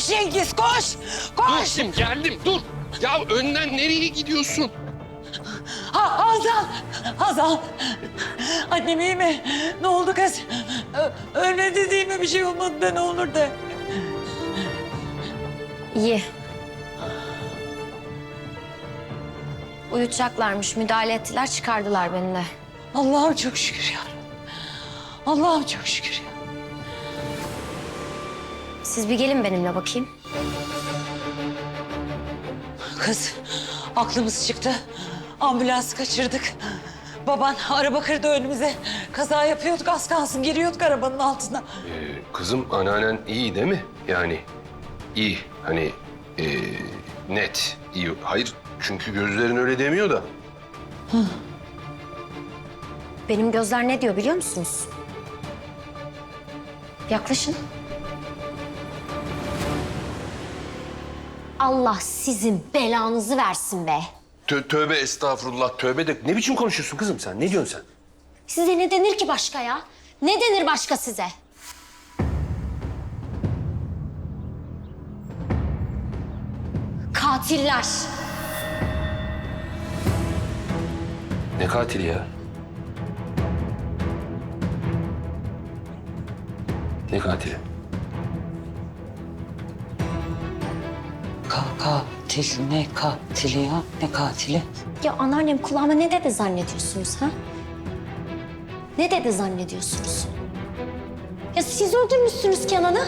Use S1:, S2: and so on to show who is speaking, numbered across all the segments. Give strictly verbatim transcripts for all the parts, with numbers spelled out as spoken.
S1: Koş Cengiz koş. Koş.
S2: Dur geldim dur. Ya önden nereye gidiyorsun?
S1: Ha, Hazal. Hazal. Annem iyi mi? Ne oldu kız? Ö- ölmedi değil mi? Bir şey olmadı da ne olur da.
S3: İyi. Uyutacaklarmış. Müdahale ettiler, çıkardılar beni de.
S1: Allah'ım çok şükür ya. Allah'ım çok şükür ya.
S3: Siz bir gelin benimle bakayım.
S1: Kız aklımız çıktı. Ambulansı kaçırdık. Baban araba kırdı önümüze. Kaza yapıyorduk az kalsın giriyorduk arabanın altına.
S2: Ee, kızım anneannen iyi değil mi? Yani iyi hani ee, net iyi. Hayır çünkü gözlerin öyle demiyor da.
S3: Benim gözler ne diyor biliyor musunuz? Yaklaşın. Allah sizin belanızı versin be.
S2: Tö tövbe estağfurullah tövbe de ne biçim konuşuyorsun kızım sen? Ne diyorsun sen?
S3: Size ne denir ki başka ya? Ne denir başka size? Katiller.
S2: Ne katili ya? Ne katili?
S1: Ka katil ne katili ya? Ne katili?
S3: Ya anneannem kulağıma ne dedi zannediyorsunuz ha? Ne dedi zannediyorsunuz? Ya siz öldürmüşsünüz Kenan'ı.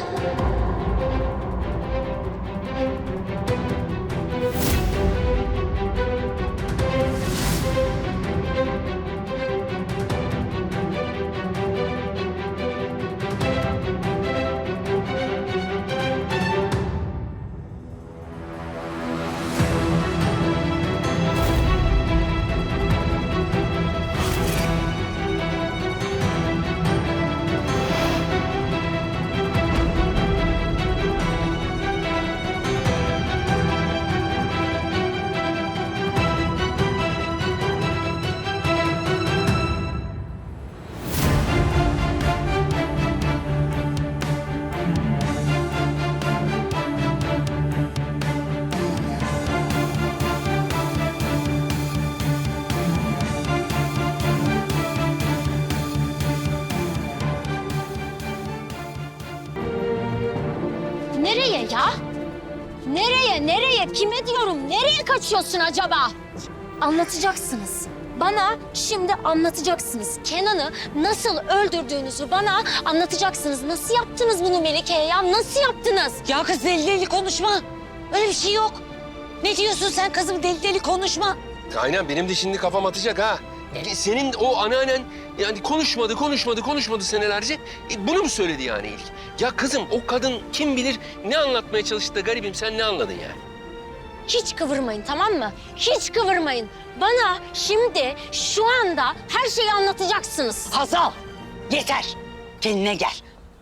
S3: Nereye ya? Nereye, nereye? Kime diyorum? Nereye kaçıyorsun acaba? Anlatacaksınız. Bana şimdi anlatacaksınız. Kenan'ı nasıl öldürdüğünüzü bana anlatacaksınız. Nasıl yaptınız bunu Melike'ye ya? Nasıl yaptınız?
S1: Ya kız deli deli konuşma. Öyle bir şey yok. Ne diyorsun sen kızım deli deli konuşma.
S2: Aynen benim de şimdi kafam atacak ha. Senin o anneannen yani konuşmadı, konuşmadı, konuşmadı senelerce. E, bunu mu söyledi yani ilk? Ya kızım o kadın kim bilir ne anlatmaya çalıştı da garibim sen ne anladın yani?
S3: Hiç kıvırmayın tamam mı? Hiç kıvırmayın. Bana şimdi şu anda her şeyi anlatacaksınız.
S1: Hazal yeter. Kendine gel.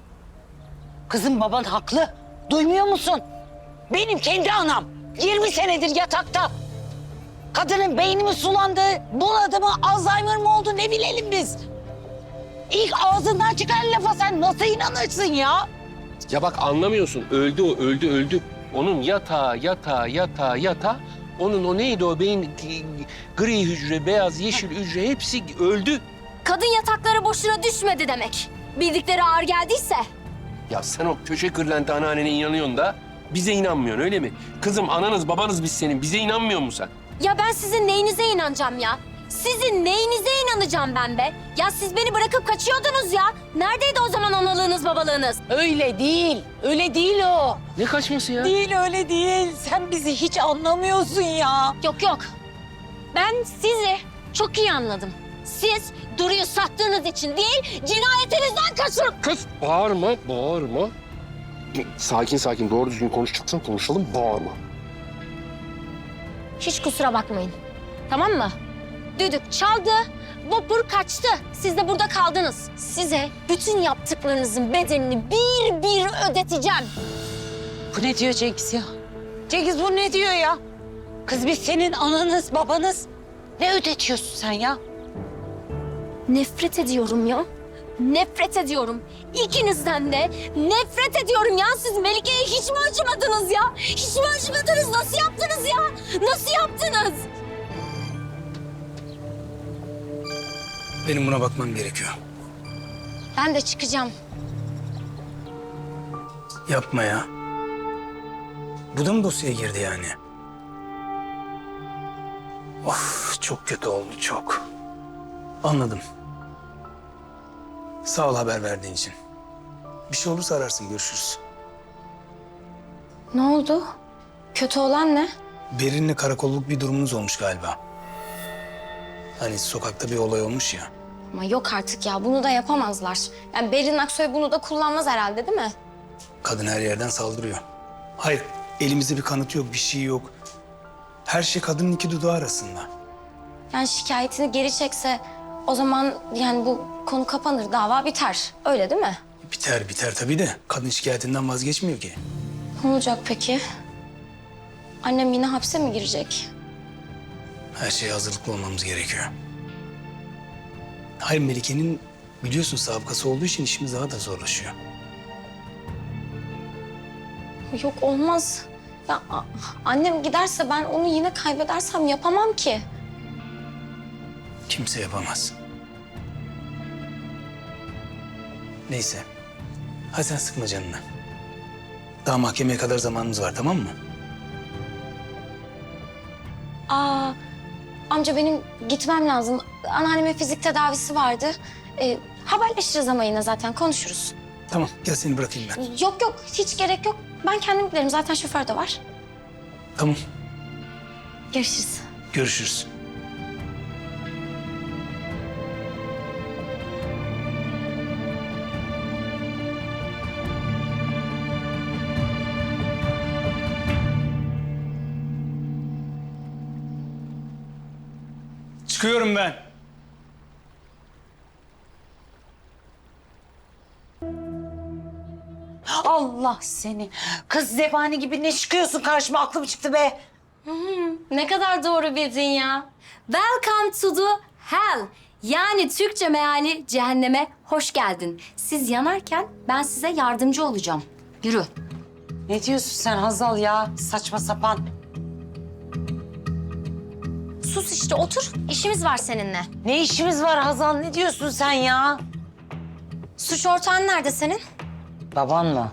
S1: Kızım baban haklı. Duymuyor musun? Benim kendi anam. yirmi senedir yatakta. Kadının beyni mi sulandı, buladı mı, Alzheimer mı oldu ne bilelim biz. İlk ağzından çıkan lafa sen nasıl inanırsın ya?
S2: Ya bak anlamıyorsun. Öldü o, öldü, öldü. Onun yatağı, yatağı, yatağı, yatağı. Onun o neydi o beyin gri hücre, beyaz, yeşil hücre hepsi öldü.
S3: Kadın yataklara boşuna düşmedi demek. Bildikleri ağır geldiyse.
S2: Ya sen o köşe kırlenti anneannene inanıyorsun da bize inanmıyorsun öyle mi? Kızım ananız babanız biz senin. Bize inanmıyor musun sen?
S3: Ya ben sizin neyinize inanacağım ya? Sizin neyinize inanacağım ben be? Ya siz beni bırakıp kaçıyordunuz ya. Neredeydi o zaman analığınız, babalığınız?
S1: Öyle değil, öyle değil o.
S2: Ne kaçması ya?
S1: Değil öyle değil. Sen bizi hiç anlamıyorsun ya.
S3: Yok yok. Ben sizi çok iyi anladım. Siz Duru'yu sattığınız için değil, cinayetinizden kaçın.
S2: Kız bağırma, bağırma. Sakin sakin doğru düzgün konuşacaksan konuşalım, bağırma.
S3: Hiç kusura bakmayın. Tamam mı? Düdük çaldı, vapur kaçtı. Siz de burada kaldınız. Size bütün yaptıklarınızın bedelini bir bir ödeteceğim.
S1: Bu ne diyor Cengiz ya? Cengiz bu ne diyor ya? Kız biz senin ananız, babanız. Ne ödetiyorsun sen ya?
S3: Nefret ediyorum ya. Nefret ediyorum. İkinizden de nefret ediyorum ya. Siz Melike'ye hiç mi acımadınız ya? Hiç mi acımadınız? Nasıl yaptınız ya? Nasıl yaptınız?
S4: Benim buna bakmam gerekiyor.
S3: Ben de çıkacağım.
S4: Yapma ya. Bu da mı dosyaya girdi yani? Of, çok kötü oldu, çok. Anladım. Sağ ol haber verdiğin için. Bir şey olursa ararsın, görüşürüz.
S3: Ne oldu? Kötü olan ne?
S4: Berin'le karakolluk bir durumunuz olmuş galiba. Hani sokakta bir olay olmuş ya.
S3: Ama yok artık ya. Bunu da yapamazlar. Yani Berin Aksoy bunu da kullanmaz herhalde değil mi?
S4: Kadın her yerden saldırıyor. Hayır, elimizde bir kanıt yok, bir şey yok. Her şey kadının iki dudağı arasında.
S3: Yani şikayetini geri çekse o zaman yani bu konu kapanır, dava biter. Öyle değil mi?
S4: Biter biter tabii de kadın şikayetinden vazgeçmiyor ki.
S3: Ne olacak peki? Annem yine hapse mi girecek?
S4: Her şeye hazırlıklı olmamız gerekiyor. Hayır, Melike'nin biliyorsun sabıkası olduğu için işimiz daha da zorlaşıyor.
S3: Yok olmaz. Ya a- annem giderse ben onu yine kaybedersem yapamam ki.
S4: Kimse yapamaz. Neyse. Hadi sen sıkma canını. Daha mahkemeye kadar zamanımız var, tamam mı?
S3: Aa, amca benim gitmem lazım. Anneannemin fizik tedavisi vardı. Ee, haberleşiriz ama yine zaten konuşuruz.
S4: Tamam, gel seni bırakayım ben.
S3: Yok yok hiç gerek yok. Ben kendim giderim zaten şoför de var.
S4: Tamam,
S3: Görüşürüz.
S4: görüşürüz. Çıkıyorum ben.
S1: Allah seni. Kız zebani gibi ne çıkıyorsun karşıma, aklım çıktı be.
S3: Ne kadar doğru bildin ya. Welcome to the hell. Yani Türkçe meali cehenneme hoş geldin. Siz yanarken ben size yardımcı olacağım. Yürü.
S1: Ne diyorsun sen Hazal ya? Saçma sapan.
S3: Sus işte otur. İşimiz var seninle.
S1: Ne işimiz var Hazal? Ne diyorsun sen ya?
S3: Suç ortağın nerede senin?
S1: Baban mı?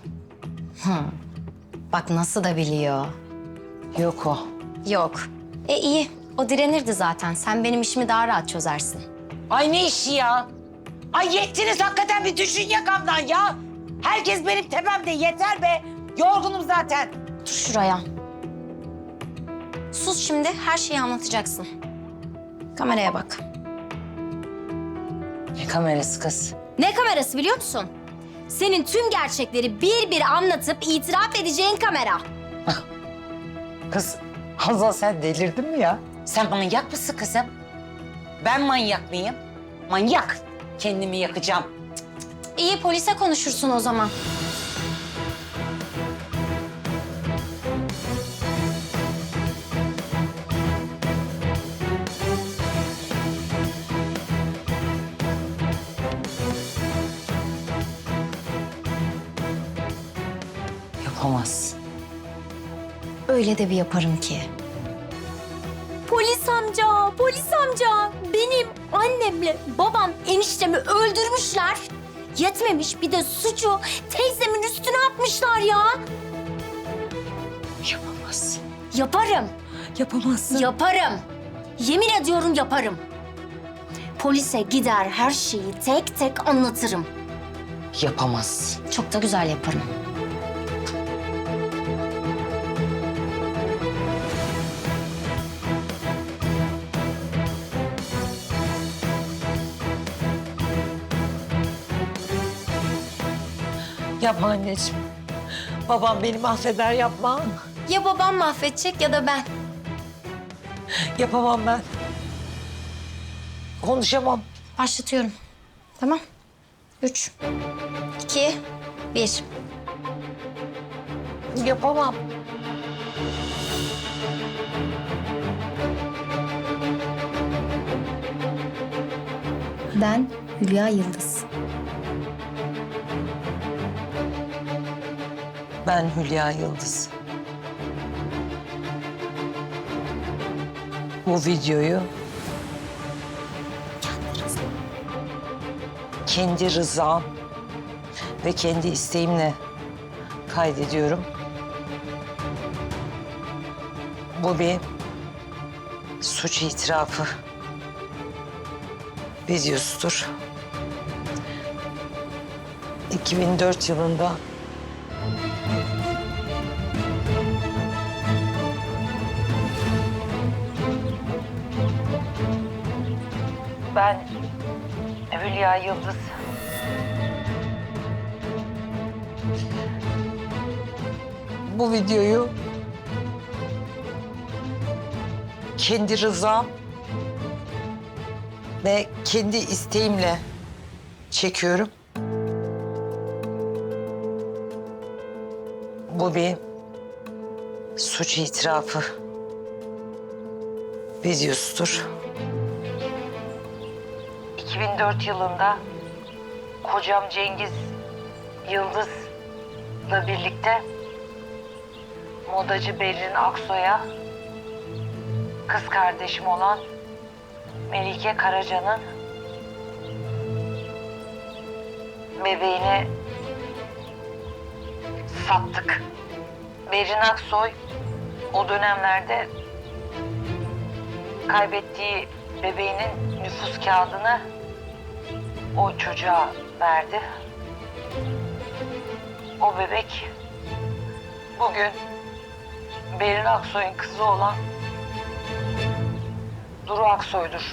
S3: Bak nasıl da biliyor.
S1: Yok o.
S3: Yok. E iyi. O direnirdi zaten. Sen benim işimi daha rahat çözersin.
S1: Ay ne işi ya? Ay yettiniz hakikaten, bir düşün yakamdan ya. Herkes benim tepemde, yeter be. Yorgunum zaten.
S3: Dur şuraya. Sus şimdi. Her şeyi anlatacaksın. Kameraya bak.
S1: Ne kamerası kız?
S3: Ne kamerası biliyor musun? Senin tüm gerçekleri bir bir anlatıp itiraf edeceğin kamera.
S1: Kız Hazal sen delirdin mi ya? Sen manyak mısın kızım? Ben manyak mıyım? Manyak. Kendimi yakacağım.
S3: İyi polise konuşursun o zaman.
S1: Yapamazsın.
S3: Öyle de bir yaparım ki. Polis amca, polis amca. Benim annemle babam eniştemi öldürmüşler. Yetmemiş bir de suçu teyzemin üstüne atmışlar ya.
S1: Yapamazsın.
S3: Yaparım.
S1: Yapamazsın.
S3: Yaparım. Yemin ediyorum yaparım. Polise gider her şeyi tek tek anlatırım.
S1: Yapamazsın.
S3: Çok da güzel yaparım.
S1: Yapma anneciğim. Babam beni mahveder, yapma.
S3: Ya babam mahvedecek ya da ben.
S1: Yapamam ben. Konuşamam.
S3: Başlatıyorum. Tamam. Üç, iki, bir.
S1: Yapamam.
S3: Ben Hülya Yıldız.
S1: Ben Hülya Yıldız. Bu videoyu kendi rızam ve kendi isteğimle kaydediyorum. Bu bir suç itirafı videosudur. iki bin dört yılında ben Hülya Yıldız bu videoyu kendi rızam ve kendi isteğimle çekiyorum. Bu bir suç itirafı videosudur. iki bin dört yılında kocam Cengiz Yıldız'la birlikte modacı Berrin Aksoy'a kız kardeşim olan Melike Karaca'nın bebeğini sattık. Berrin Aksoy o dönemlerde kaybettiği bebeğinin nüfus kağıdını o çocuğa verdi. O bebek bugün Berrin Aksoy'un kızı olan Duru Aksoy'dur.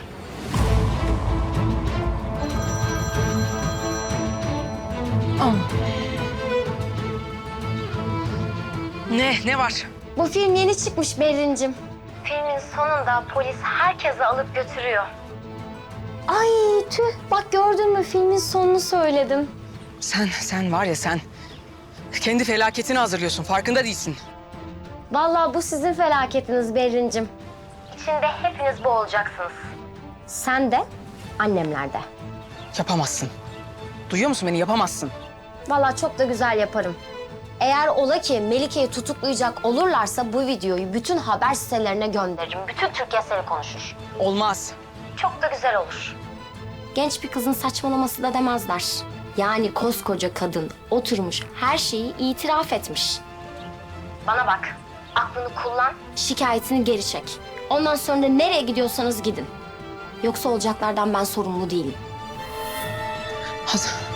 S5: Ne? Ne var?
S3: Bu film yeni çıkmış Berrin'cim. Filmin sonunda polis herkesi alıp götürüyor. Ay tüh, bak gördün mü filmin sonunu söyledim.
S5: Sen, sen var ya sen kendi felaketini hazırlıyorsun. Farkında değilsin.
S3: Vallahi bu sizin felaketiniz Berrin'cim. İçinde hepiniz bu olacaksınız. Sen de, annemler de.
S5: Yapamazsın. Duyuyor musun beni? Yapamazsın.
S3: Vallahi çok da güzel yaparım. Eğer ola ki Melike'yi tutuklayacak olurlarsa bu videoyu bütün haber sitelerine gönderirim. Bütün Türkiye seni konuşur.
S5: Olmaz.
S3: Çok da güzel olur. Genç bir kızın saçmalaması da demezler. Yani koskoca kadın oturmuş her şeyi itiraf etmiş. Bana bak, aklını kullan, şikayetini geri çek. Ondan sonra da nereye gidiyorsanız gidin. Yoksa olacaklardan ben sorumlu değilim.
S5: Hadi.